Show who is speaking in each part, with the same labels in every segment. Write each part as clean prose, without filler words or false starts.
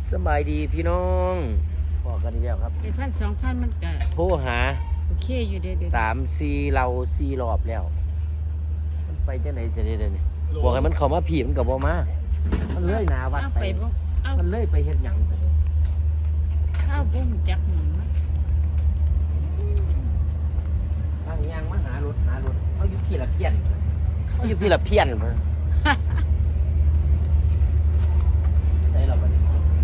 Speaker 1: สบายดีพี่น้องพอกันอีกแล้วครับ
Speaker 2: 1,000-2,000มันก็
Speaker 1: โทรหา
Speaker 2: โอเคอยู่เด้อ
Speaker 1: 3-4เรา4รอบแล้วมันไปจังไหนจะได้เด้อนี่บอกให้มันเข้ามาผีมันก็บ่มามันเลื่อยหน้าวัด
Speaker 2: เอา
Speaker 1: ไป
Speaker 2: ไปบ่เอา
Speaker 1: มันเลื่อยไปเฮ็ดหยัง
Speaker 2: เอาบ่รู้จักหม่องมัน
Speaker 1: ทางยางมาหารถเอาอยู่พี่ละเพี้ยนเอาอยู่พี่ละเพี้ยนพุ่นได้แล้วบัดนี้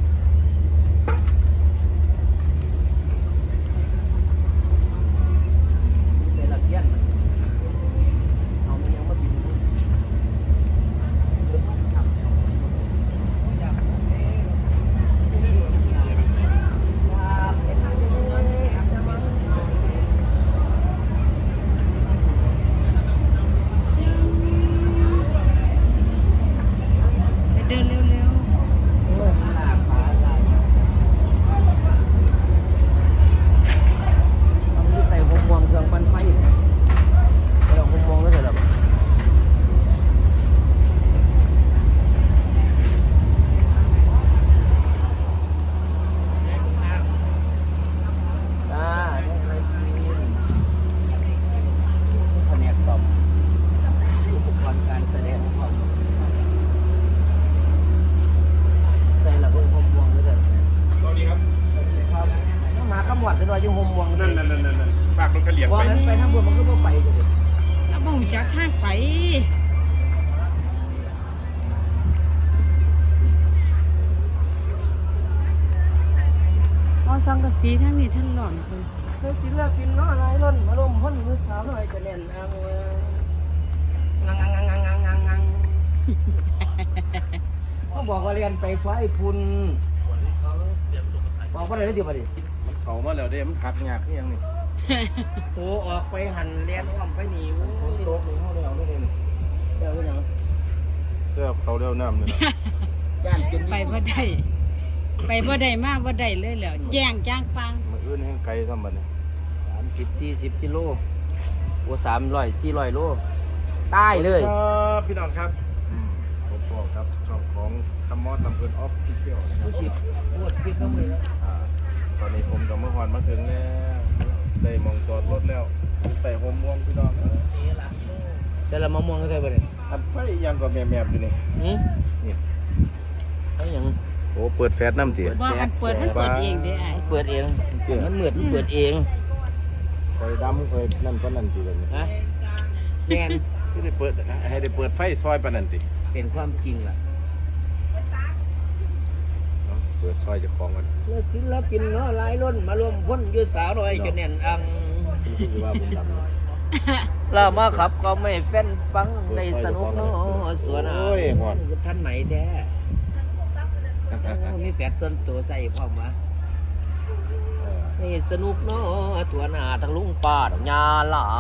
Speaker 1: ได้ละเพี้ยนเอามันยังมาบิน
Speaker 2: ไปเดินเร็ว
Speaker 1: ใส่ห่วงเครื่องปั่นไฟเราห่วงก็เสร็จแล้วจ้าได้อะไรกินแผนกซ่อมอุปกรณ์การแสดงของใส่ระเบิดห่วงก็เสร็จ
Speaker 3: ตอนนี้ครับ
Speaker 1: ครับมาขมวดเป็นว่าอยู่ห่วง
Speaker 3: นั่นฝากรถกระเหลี่ยง
Speaker 1: ว่า
Speaker 3: ไป
Speaker 1: นั้นไปทางบนมันก็บ่ไปเลย
Speaker 2: ๆแล้วบ่รู้จักทางไปเอาสังกะสีทั้งนี้ทั้งหล่อนไป
Speaker 1: เธอศิลปินน้อยล้นมาลมพ้นมือสาวน้อยจะเน่นอังงังเขาบอกว่าเรียนไปไฟพุ่นบอกว่าอะไรได้ดีป่ะดิ
Speaker 3: มันเขามาแล้วเด้มันขัดงากนี่ยังนี่
Speaker 1: โอ้ออกไปหันเรียนอ้อมไปหนีโอ้
Speaker 3: คนโต๊ะนี่เขาแล้วนี่นี่
Speaker 1: เดี๋ยวเป็นยัง
Speaker 3: เสื้อเขาเร็วน้ำนี่นะ
Speaker 1: ย่านเป็น
Speaker 2: ไปบ่ได้ไปบ่ได้มาบ่ได้เลยแล้วแจ้งจ้างปัง
Speaker 3: มันอื่นให้ไกลทำบัดนี้
Speaker 1: 30-40กิโลโอ้300-400 โลใต้เลย
Speaker 3: ครับพี่น้องครับผมบอกครับช่องของคำมอสลำเพลินออฟฟิเชียลนะครับ
Speaker 1: รู้สึกปวดพิษเข้ามือแล้ว
Speaker 3: ตอนนี้ผมกับเมื่อวานมาถึงแล้วได้มองจอดรถแล้วแต่โฮมม่วงพี่น้อง
Speaker 1: ใช่ละมะม่วงก็ได้ป่ะเนี่ย
Speaker 3: อันไฟยังก็แมบๆอยู่นี่ นี่
Speaker 1: ไอ้ยัง
Speaker 3: โอ้เปิดแฟลชน้ำเตี๋ย
Speaker 2: บ่คันเปิดมันเปิดเองเด้อ้าย
Speaker 1: เปิดเองมันเหมือนเปิดเอง
Speaker 3: คอยดำคอยนั่นก็นั่นทีเลยนี่
Speaker 1: ฮะแน่น
Speaker 3: ที่ได้เปิดให้ได้เปิดไฟซอยปานนันติ
Speaker 1: เป็นความจริงล่ะ
Speaker 3: เปิดซอยเจะของมัน
Speaker 1: เมื่อศิลปินเนาะหลายล้นมารวมพ้นอยู่สาวน้อยจะแน่นอัง
Speaker 3: นี่คือว่าผมดำนะ
Speaker 1: เรามาขับก็ไม่แฟนฟังในสนุกเนาะสวน
Speaker 3: โอ้ยหอด
Speaker 1: ท่านไหมแท้มีแฟดส่วนตัวใส่พร้อมวะนี่สนุกเนาะตัวหน้าทั้งลุงป้าดอกยาหลาน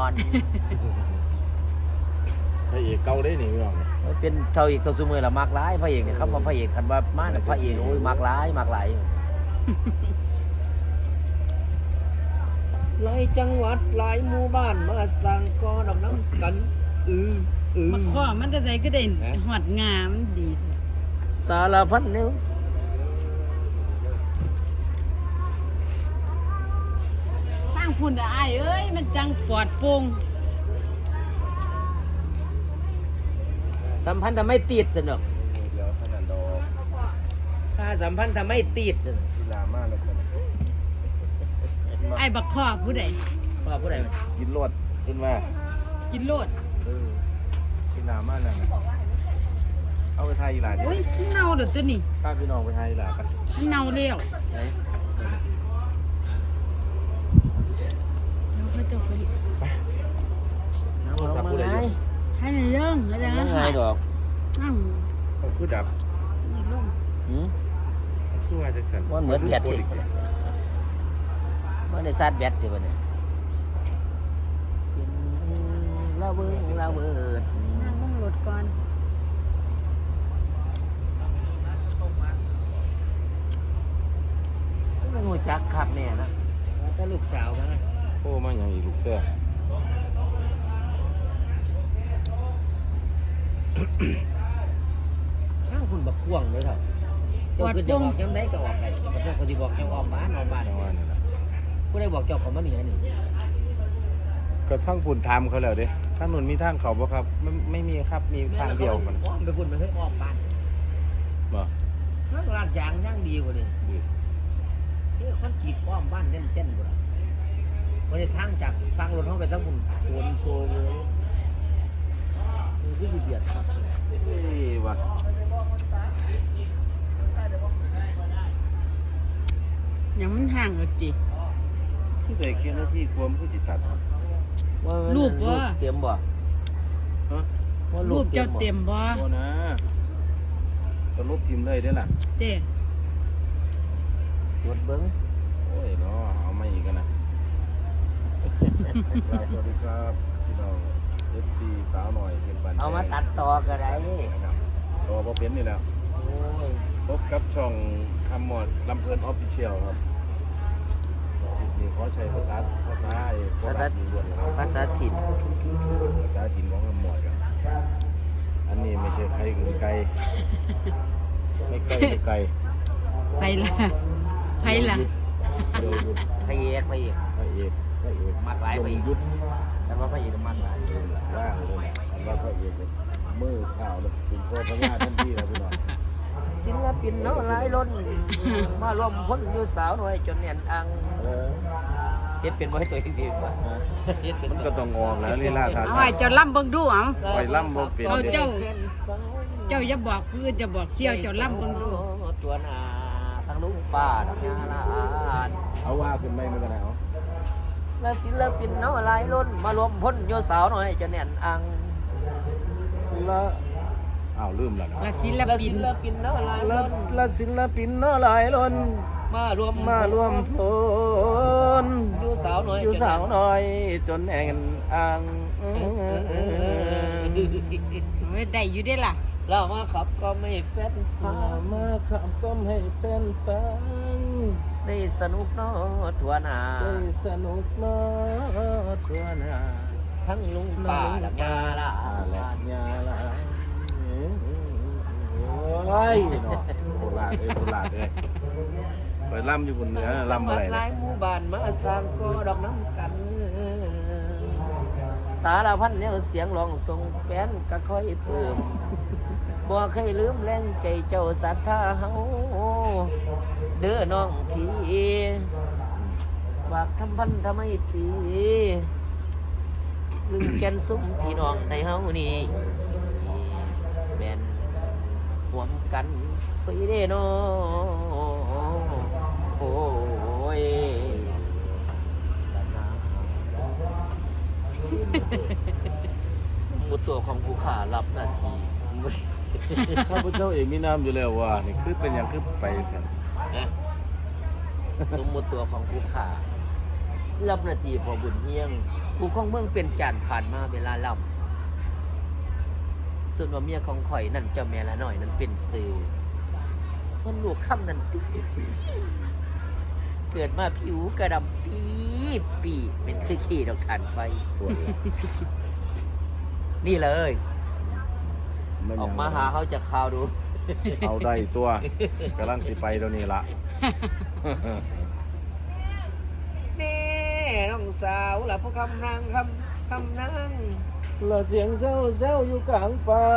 Speaker 3: พระเอกเก่าได้นี่พี่น้อง
Speaker 1: เป็นเท่าอีกตัวซูมือละมากหลายพระเอกเนี่ยครับว่าพระเอกคันว่ามาพระเอกโอ้ยมากหลายหลายจังหวัดหลายหมู่บ้านมาสั่งกอดอกน้ำกัน
Speaker 2: บักข้อมันจะได้ก็ได้ฮอดงามมันดี
Speaker 1: สารพัดเนี่ย
Speaker 2: สร้างพุ่นอ้ายเอ้ยมันจังปลอดโปร่ง
Speaker 1: สัมพันธ์ทำให้ติดสนุก
Speaker 3: เดี๋ยวขนาดดอก
Speaker 1: ถ้าสัมพันธ์ทำให้ติดสนุก
Speaker 3: กีฬามากเลยกัน
Speaker 2: ไอ้บักข้อผู้ใด
Speaker 1: ว่าผู้ใด
Speaker 3: กินรวดขึ้นมา
Speaker 2: กินโลด
Speaker 3: กีฬามากเลยเอาไปทายอีหลาดิ
Speaker 2: โอ้ยเน่าเด้อตัวนี้
Speaker 3: ข้าพี่น้องไปทายอีหลากัน
Speaker 2: มันเน่าแล้ว
Speaker 1: ไหน
Speaker 2: แล้วเขาจะไป
Speaker 1: น้ำมันมาไง
Speaker 2: ให้ในเรื่องแล้วจะ
Speaker 1: น้ำไงดอก
Speaker 2: อ้าว
Speaker 3: เขาคือดับ
Speaker 2: นี่ลง
Speaker 3: คือว่าจังสัน
Speaker 1: มันเหมือนแบตสิมันได้ซาดแบตสิบ่เนี่ยลาเบิด
Speaker 2: นั่งลงรถก่อน
Speaker 1: ไม่รู้จักครับเนี่ยนะถ้าลูกสาวมั้ง
Speaker 3: โอ้มาอย่างอีกลูกเต้อ
Speaker 1: ข้างคุณบักกวางเลยครับเจ้าคือจะบอกจังไดก็ออกได้บ่ต้องก็สิบอกเจ้าออกบ้าน
Speaker 3: เอาว่านี่ล่ะ
Speaker 1: ผู้ใดบอกเจ้าเขามาเหนือนี่
Speaker 3: ก็ทั้งปุ่นถามเขาแล้วเด้ทางนู้นมีทางเขาบ่ครับไม่มีครับมีทางเดียวมัน
Speaker 1: อ้อมไปพุ่นไปให้ออกบ้าน
Speaker 3: บ่
Speaker 1: ข้างลาดยางย่างดีกว่านี่ที่คนกรีดอ้อมบ้านเต้นๆกว่าวันนี้ทางจากฟังรถเข้าไปทั้งพุ่นโอนโซเลยคือสิเบียดครับ
Speaker 3: เอ้ยว่ะ
Speaker 2: ยังมันห่างกว่าจิ
Speaker 3: คือได้แค่นาทีความคือสิตัด
Speaker 1: ว่ามัน
Speaker 2: รูปบ่
Speaker 1: เตรียมบ่
Speaker 3: ฮะ
Speaker 1: ว่า
Speaker 2: รูปเจ้าเต็มบ่
Speaker 3: โอ้นะสรุปพิมพ์เลยเด้อล่ะ
Speaker 2: เต้
Speaker 1: ตรวจเบิ้ง
Speaker 3: โอ้ยเนาะเอามาอีกกันนะครับสวัสดีครับพี่น้อง FC สาวหน่อยเป็นปัน
Speaker 1: เอามาตัดต่อก็ได้
Speaker 3: นะครับตัวบ่เป็นนี่แหล้ว
Speaker 1: โอ้ย
Speaker 3: พบกับช่องคำหมดลำเพลินออฟฟิเชียลครับคลิปนี้ขอใช้ภาษาไอ้โคราชล้วนๆนะครับ
Speaker 1: ภาษาถิ่น
Speaker 3: ภาษาถิ่นของคำหมดครับอันนี้ไม่ใช่ใครคือไกลไม่ไกลไม่ไกล
Speaker 2: ไปละไปละ
Speaker 3: เดี๋ยวหยุด
Speaker 1: พระเอก
Speaker 3: พระเอก
Speaker 1: มากหลายไปอีก
Speaker 3: หยุด
Speaker 1: แต่ว่าพระเอกมันหลาย
Speaker 3: ว่างเลยนะอันว่าพระเอกมือข่าวแล้วเป็นตัวพญาทันทีนะพี่น้อง
Speaker 1: ศิลปินเนาะหลายล้นมาร่วมพ้นอยู่สาวหน่อยจนแน่นอัง
Speaker 3: เออ
Speaker 1: เฮ็ดเป็นบ่ให้ตัวเองดีกว่าเฮ็ดเป็น
Speaker 3: มันก็ต้องออกแล้วลีลาท่า
Speaker 2: เอา
Speaker 3: ทา
Speaker 2: ให้
Speaker 3: ง
Speaker 2: เจ้าล่ำเบิ่งดูเอา
Speaker 3: ไปล่ำบ่เป็น
Speaker 2: เอา
Speaker 3: เด้
Speaker 2: เจ้าอย่าบอกเพื่อนจะบอกเสี่ยวเจ้าล่ำเบิ่งดู
Speaker 1: ตัวหน้าทั้งลุงป้าทั้งยาลาน
Speaker 3: เอาว่าขึ้นไม่มันก็ได้เอา
Speaker 1: และศิลปินเนาะหลายล้นมารวมพ้นอยู่สาวหน่อยจนแน่นอัง
Speaker 3: ละอ้าวลืมแล้วนะ
Speaker 2: และศิล
Speaker 1: และ
Speaker 2: ปิ
Speaker 1: ศิ
Speaker 2: น
Speaker 1: ลปินเนาะหลายล้น
Speaker 3: ละศิลปินเนาะหลายล้น
Speaker 1: มารวม
Speaker 3: พล
Speaker 1: อยู่สาวหน่อย
Speaker 3: อยู่สาวน้อยจนแอ่งอ่าง
Speaker 2: โอ้ยได้อยู่ได้ล่ะ
Speaker 1: เรามาขับก็ไม่แฟนฟั
Speaker 3: มาง มาขับก้มให้แฟนฟัง
Speaker 1: ได้สนุกเนาะทั่วหน้า
Speaker 3: ได้สนุกเนาะทั่วหน้า
Speaker 1: ทั้งลุงป้าและยาลา
Speaker 3: และ
Speaker 1: น
Speaker 3: ยาละโอ้ยเนาะโบราณโบราณเลยไปล่ำอยู่บนเหนือล่ำอะไร
Speaker 1: หลายหมู่บ้านมาสร้างก็ดอกน้ำกัน สารพันแนวเสียงร้องส่งแฟนก็ค่อยเติมบ่เคยลืมแรงใจเจ้าศรัทธาเฮาเด้อน้องพี่ฝากทำพันทำไมตีลืมแกนซุ้มพี่น้องในเฮานี่แม่นห่วมกันไปเด้น้อโอ้ย สมมุติตัวของผู้ขารับหน้าที่
Speaker 3: ข้าพเจ้าเองมีน้ำอยู่แล้วว่านี่คือเป็นอย่างคือไปกัน
Speaker 1: สมมุติตัวของผู้ขารับหน้าที่พอบุญเฮียง ผู้ของเมืองเป็นจานผ่านมาเวลาล่ำส่วนว่าเมียของข่อยนั่นเจ้าแม่ละหน่อยนั่นเป็นสื่อส่วนลูกค่ำนั่นเกิดมาผิวกระดำปีเป็นคือขี้ดอกถ่านไฟ
Speaker 3: ตัวละ
Speaker 1: นี่เลย
Speaker 3: น
Speaker 1: ออกมาหาเขาจะข่าวดู
Speaker 3: เอาได้ตัวกำลังสิไปตัวนี้ละ
Speaker 1: แน่น้องสาวล่ะพวกคำนางคำนาง
Speaker 3: ละเสียงเซลอยู่กลางป่า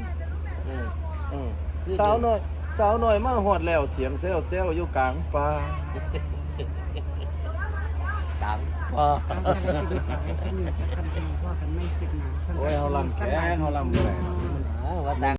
Speaker 1: คือ
Speaker 3: สาวหน่อยมาหอดแล้วเสียงเซลอยู่กลางป่า
Speaker 1: ดังพอ
Speaker 2: ตามสารคดีสาวไอ้สนิทสักคำเป็นพ่อกันไม่คิดหนา
Speaker 3: โอ้ยเขาลำแสงเขาลำแหวน
Speaker 1: ว่าดัง